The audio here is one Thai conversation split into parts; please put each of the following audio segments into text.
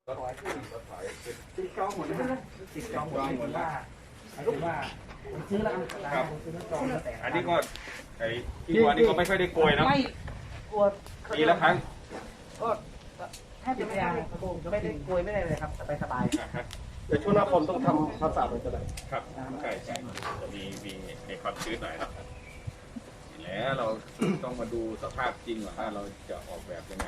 ติดจองหมดนะติดจองหมดว่าซื้อแล้วครับซื้อแล้วจองแต่อันนี้ก็ไอ้ที่วัวนี่ก็ไม่ค่อยได้โกยนะไม่กลัวปีละครั้งก็แทบจะไม่ได้โกยไม่ได้เลยครับสบายแต่ช่วงหน้าฝนต้องทำความสะอาดมันจะไหนครับใช่จะมีในความชื้นหน่อยครับแล้วเราต้องมาดูสภาพจริงว่าเราจะออกแบบยังไง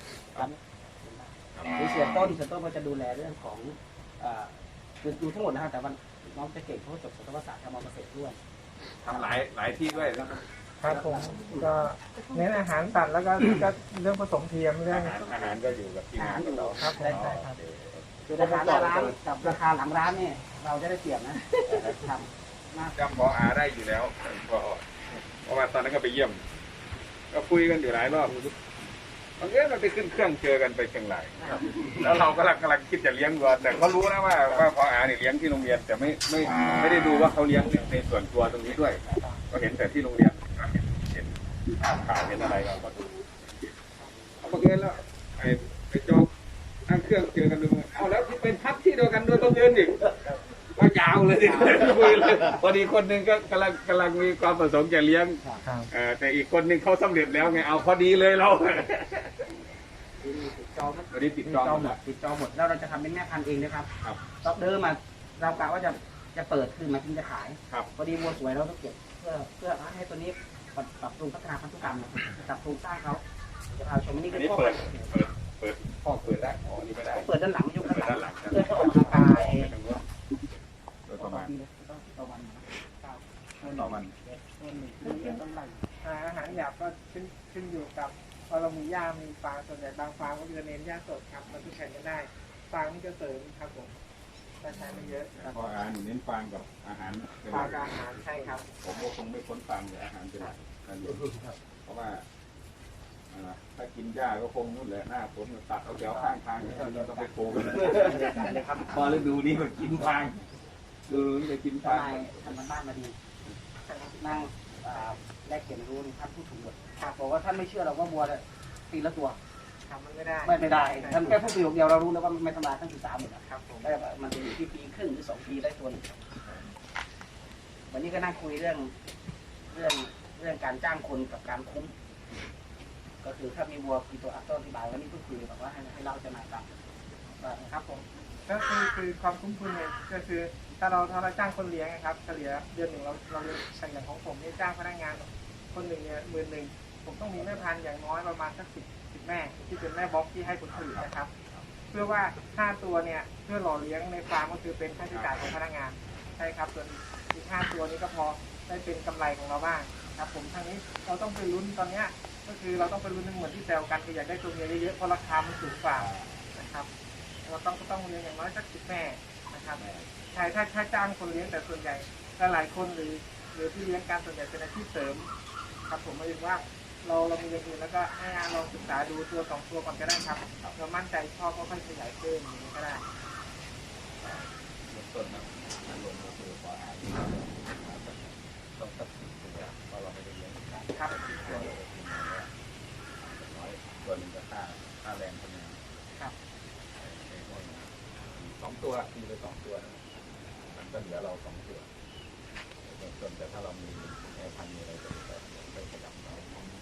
คือเสียต้นก็จะดูแลเรื่องของคือดูทั้งหมดนะครับแต่วันน้องจะเก่งเขาจบสัตวศาสตร์ทำเกษตรด้วยทำหลายที่ด้วยนะครับครับผมก็เน้นอาหารสัตว์แล้วก็เรื่องผสมเทียมเรื่องอาหารก็อยู่กับที่งานของเราครับใช่ครับคือราคาหน้าร้านกับราคาหลังร้านเนี่ยเราจะได้เปรียบนะทำจำพออาได้อยู่แล้วเพราะว่าตอนนั้นก็ไปเยี่ยมก็คุยกันอยู่หลายรอบบางทีเราไปขึ้นเครื่องเจอกันไปเชียงรายแล้วเรากำลังคิดจะเลี้ยงวัวแต่เขารู้นะว่าพออาเนี่ยเลี้ยงที่โรงเรียนแต่ไม่ได้ดูว่าเขาเลี้ยงในส่วนตัวตรงนี้ด้วยก็เห็นแต่ที่โรงเรียนเห็นข่าวเห็นอะไรเราก็ดูเอาบังเอิญแล้วไปจองนั่งเครื่องเจอกันดูเอาแล้วที่เป็นพักที่เดียวกันด้วยบังเอิญอีกว่ายาวเลยคุยเลยพอดีคนหนึ่งก็กำลังมีความประสงค์จะเลี้ยงแต่อีกคนหนึ่งเขาสำเร็จแล้วไงเอาพอดีเลยเราจองวันนี้ติดจองหมดแล้วเราจะทำเป็นแม่พันธุ์เองนะครับตอนเดิมมาเรากะว่าจะเปิดคือมาทิ้งจะขายพอดีวัวสวยเราต้องเก็บเพื่อให้ตัวนี้ปรับปรุงพัฒนาพันธุกรรมปรับปรุงสร้างเขาจะพาชมนี่ก็เปิดห้องเปิดได้อ๋อนี่ไม่ได้เปิดด้านหลังยุคด้านหลังเพื่อเขาออกกำลังกายโดยประมาณต่อวันอาหารหยาบก็ขึ้นอยู่กับพอเรามีหญ้ามีฟางส่วนใหญ่บางฟางก็จะเน้นหญ้าสดครับมันทุกแข่งกันได้ฟางนี่ก็เสริมครับผมแต่ใช้ไม่เยอะพออาหารเน้นฟางกับอาหารฟางกับอาหารใช่ครับผมก็คงไม่พ้นฟางแต่อาหารเป็นหลักกันอยู่เพราะว่าถ้ากินหญ้าก็คงนู่นแหละหน้าผมตัดเอาแถวข้างทางเราต้องไปโกงพอฤดูนี้ก็กินฟางดูจะกินฟางทำบ้านมาดีนั่งแลกเปลี่ยนรู้ท่านผู้ถูกหมดบอกว่าท่านไม่เชื่อเราว่าบัวปีละตัวทำมันไม่ได้ท่านแค่พูดประโยคเดียวเรารู้แล้วว่าไม่ทำลายทั้ง13หมดครับผมได้มันจะอยู่ที่ปีครึ่งหรือ2 ปีได้ตัวนึงวันนี้ก็นั่งคุยเรื่องการจ้างคนกับการคุ้มก็คือถ้ามีวัวกี่ตัวต้นอธิบายวันนี้ก็คุยแบบว่าให้เราจะมาครับผมก็คือความคุ้มทุนเนี่ยก็คือถ้าเราจ้างคนเลี้ยงนะครับเฉลี่ยเดือนหนึ่งเราเฉลี่ยของผมนี่จ้างพนักงานคนหนึ่งเนี่ย11,000ผมต้องมีแม่พันธุ์อย่างน้อยประมาณสัก10แม่ที่เป็นแม่บล็อกที่ให้ผลผลิตนะครับเพื่อว่า5ตัวเนี่ยเพื่อหล่อเลี้ยงในฟาร์มก็คือเป็นค่าใช้จ่ายของพนักงานใช่ครับส่วนอีก5ตัวนี้ก็พอได้เป็นกำไรของเราบ้างครับผมทางนี้เราต้องไปลุ้นตอนนี้ก็คือเราต้องไปลุ้นเหมือนที่แซวกันคืออยากได้ตัวเมียเยอะๆเพราะราคามันสูงกว่านะครับเราต้องเลี้ยงอย่างน้อยสัก10 แม่นะครับใช่ถ้าจ้างคนเลี้ยงแต่ส่วนใหญ่หลายคนหรือที่เลี้ยงการส่วนใหญ่เป็นอาชีพเสริมครับผมหมายถึงว่าเรามีอย่างอื่นแล้วก็ให้ลองศึกษาดูตัว2 ตัวก่อนก็ได้ครับเรามั่นใจชอบก็ค่อยขยายเพิ่มอย่างนี้ก็ได้ต้นนะลงมาคือพออาหารต้องตัดสินตัวเพราะเราไม่ได้เลี้ยงครับตัวนึงก็ค่าแรงคนงานครับ 2 ตัวมีไป2 ตัวมันก็เหลือเรา2 ตัวส่วนแต่ถ้าเรามีแอร์พันมีอะไรจะไปประดับเรา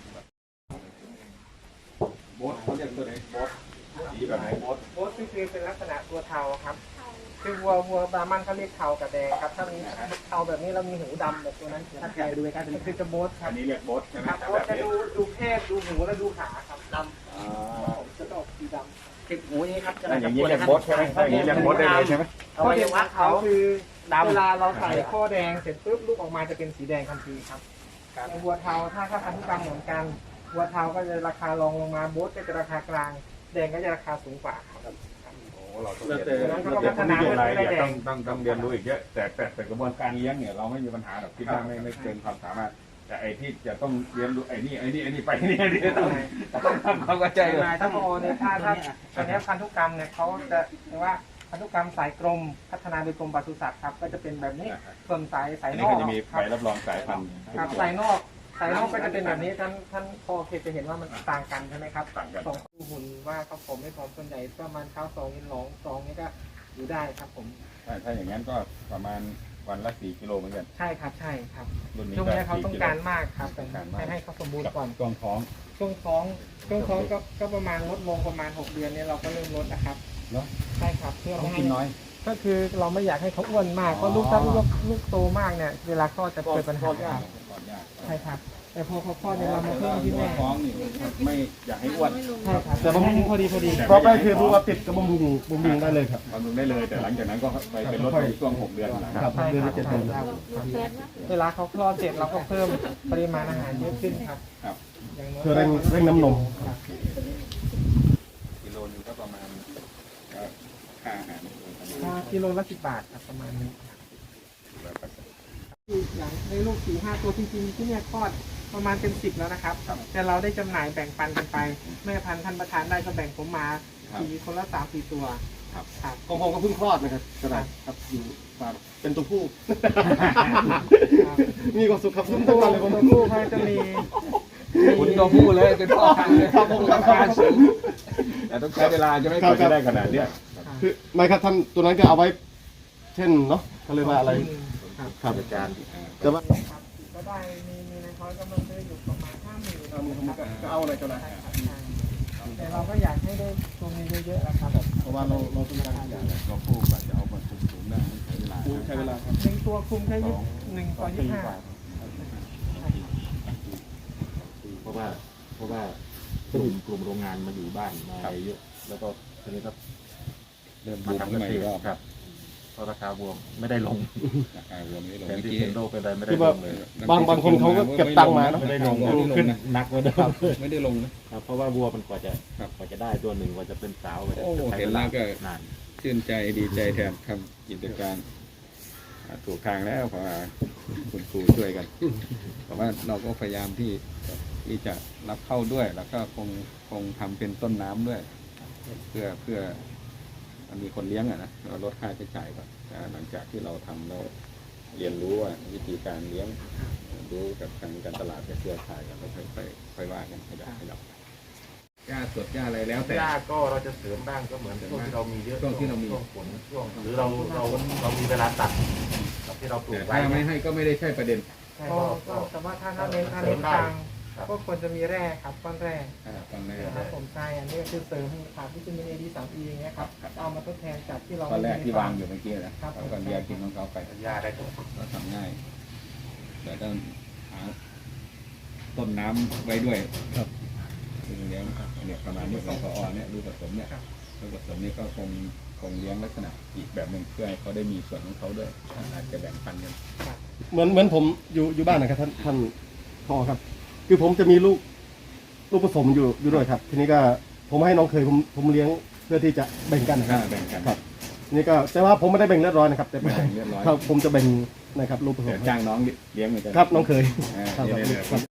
โบ๊ทเขาเรียกตัวไหนโบ๊ทสีแบบไหนโบ๊ทคือเป็นลักษณะตัวเทาครับคือวัวบรามันเขาเรียกเทากับแดงครับถ้ามีเทาแบบนี้เรามีหูดำแบบตัวนั้นถ้าใครดูใกล้ๆคือจะโบ๊ทครับอันนี้เรียกโบ๊ทใช่ไหมครับโบ๊ทจะดูแคบดูหูและดูขาครับดำจะออกสีดำติดหูนี้ครับอย่างนี้เรียกโบ๊ทใช่ไหมอย่างนี้เรียกโบ๊ทได้เลยใช่ไหมข้อเด่นของเขาคือเวลาเราใส่ข้อแดงเสร็จปุ๊บลูกออกมาจะเป็นสีแดงทันทีครับในวัวเทาถ้าพันธุกรรมเหมือนกันวัวเทาก็จะราคารองลงมาโบ๊ทก็จะราคากลางแดงก็จะราคาสูงกว่าครับเราต้องเรียนต้องเรียนรู้อีกเยอะแต่กระบวนการเลี้ยงเนี่ยเราไม่มีปัญหาหรอกคิดว่าไม่เกินความสามารถแต่ไอ้ที่จะต้องเรียนรู้ไอ้นี่ไปนี่ต้องทำความเข้าใจเลยถ้าโมเนี่ยถ้าตอนนี้พันธุกรรมเนี่ยเขาจะเรียกว่าพันธุกรรมสายกรมพัฒนาโดยกรมปศุสัตว์ครับก็จะเป็นแบบนี้ส่วนสายนอกก็จะมีใบรับรองสายพันธุ์ครับสายนอกสายนอกก็จะเป็นแบบนี้ท่านพอเคยจะเห็นว่ามันต่างกันใช่ไหมครับต่างกันสองหุ่นว่าเขาผมไม่พร้อมส่วนใหญ่ประมาณเท้า2 กิโล2นี่ก็อยู่ได้ครับผมถ้าอย่างนั้นก็ประมาณวันละ4 กิโลเหมือนกันใช่ครับใช่ครับรุ่นนี้ช่วงก็นี้เขา 4 ต้องกิโลการมากครับแต่ต้องการมากให้เขาสมบูรณ์ก่อนช่วงท้องช่วงท้องก็ประมาณลดลงประมาณ6 เดือนเนี่ยเราก็เริ่มลดนะครับเนาะใช่ครับเพื่อต้อไม่งให้กินน้อยก็คือเราไม่อยากให้เขาอ้วนมากเพราะลูกถ้าลูกโตมากเนี่ยเวลาคลอดจะเกิดปัญหาก่อนยากใช่ครับแต่พอเขาคลอดเนี่ยเรามาเพิ่มที่แม่ท้องนี่ไม่อยากให้อ้วนใช่ครับแต่บำรุงพอดีต่อไปคือดูว่าติดกับบำรุงได้เลยครับบำรุงได้เลย แต่หลังจากนั้นก็ไปเป็นลดในช่วง6 เดือนหลังครับใช่เดือนครัละบ 7 เดือนเวลาเขาคลอดเสร็จเราก็เพิ่มปริมาณอาหารเยอะขึ้นครับครับอย่างน้อยเพื่อเร่งน้ำนมครับกิโลนึงก็ประมาณค่าอาหารกิโลละ10 บาทครับประมาณนี้อย่างในลูก4-5 ตัวจริงๆที่เนี่ยคลอดประมาณเป็น10แล้วนะครับ แต่เราได้จำหน่ายแบ่งปันกันไป แม่พันธุ์ท่านประธานได้ก็แบ่งผมมาคนละ3-4 ตัวครับของผมก็เพิ่งคลอดนะครับกระดาษครับอยู่ฝากเป็นตัวผู้ มีความสุขครับทุกตัววันเลยผมผู้เขาจะมีคุณตัวผู้เลยเป็นพ่อพันธุ์เลยครับผมครับราคาสูงแต่ต้องใช้เวลาจะไม่กว่าจะได้ขนาดเนี้ยคือไม่ครับท่านตัวนั้นก็เอาไว้ เช่นเนาะเขาเรียกว่าอะไร ครับอาจารย์แต่ว่าก็ได้มีในคอยกำลังซื้ออยู่ประมาณ50,000 ก็เอาอะไรก็ได้แต่เราก็อยากให้ได้ตัวนี้เยอะๆนะครับเพราะว่าเราต้องการตัวผู้กว่าจะเอามาสูงได้ใช้เวลาใช้เวลาครับหนึ่งตัวคุมแค่1 ต่อ 25 เพราะว่ากลุ่มโรงงานมาอยู่บ้านมาอะไรเยอะ แล้วก็ทีนี้ก็เริ่มมาบูมทำขึ้เกนมาษอีตกรรอบครับเพราะราคาบวมไม่ได้ลงราคารวมไม่ได้ลงแทนเมื่อที่กี้เทนโดเป็นไรไม่ได้คือลว่างเลยบางคนเขาก็เก็บตังค์มาเนาะไม่ได้ลงไม่ได้ลงขึ้นนะหนักกว่าเดิมไม่ได้ลงนะครับเพราะว่าวัวมันกว่าจะครับกว่าจะได้ตัวหนึ่งกว่าจะเป็นสาวกว่าจะโอ้ใช้เห็นเวแล้ลาวก็นานชื่นใจดีใจแทนทำกิจการถูกทางแล้วเพราะว่าคุณครูช่วยกันแต่ว่าเราก็พยายามที่จะรับเข้าด้วย แล้วก็คงทำเป็นต้นน้ำด้วย เพื่อมันมีคนเลี้ยงอะนะเราลดค่าใช้จ่ายก่อนหลังจากที่เราทำแล้วเรียนรู้ว่าวิธีการเลี้ยงรู้กับทางการตลาดกับเครือข่ายกันแล้วค่อยว่ากันขยับหญ้าสดหญ้าอะไรแล้วแต่หญ้าก็เราจะเสริมบ้างก็เหมือนช่วงที่เรามีเยอะช่วงที่เรามีช่วงฝนช่วงหรือเรามีเวลาตัดกับที่เราปลูแต่กไว้ถ้าไม่ให้ก็ไม่ได้ใช่ประเด็นก็แต่ว่าถ้าเน้นทางก็ควรจะมีแร่ครับก้อนแร่ตอนแรกนะครับผมใช่อันนี้ก็คือเสริมให้ขาดวิตามิน A D3E อย่างเงี้ยครับเอามาทดแทนจากที่เราตอนแรกที่วางอยู่เมื่อกี้นะเขาก็เลียกินของเขาไปหญ้าได้ทุกเราทำง่าย แต่ต้องหาต้นน้ำไว้ด้วยครับคือเลี้ยงเนี่ยประมาณนี้ของพอเนี่ยรูปผสมเนี่ยรูปผสมนี่ก็คงเลี้ยงลักษณะอีกแบบหนึ่งเพื่อให้เขาได้มีส่วนของเขาด้วยอาจจะแบ่งปันกันเหมือนผมอยู่บ้านนะครับท่านพ่อครับ คือผมจะมีลูกผสมอยู่ด้วยครับ ทีนี้ก็ผมให้น้องเคยผมเลี้ยงเพื่อที่จะแบ่งกันนะครับแบ่งกันครับทีนี้ก็แต่ว่าผมไม่ได้แบ่งเรียบร้อยนะครับ แต่แบ่งเรียบร้อยครับผมจะแบ่งนะครับลูกผสเดี๋ยมวจ้างน้องเลี้ยงเหมือนกันครับน้องเคยอ่าครับเดี๋ยวครับ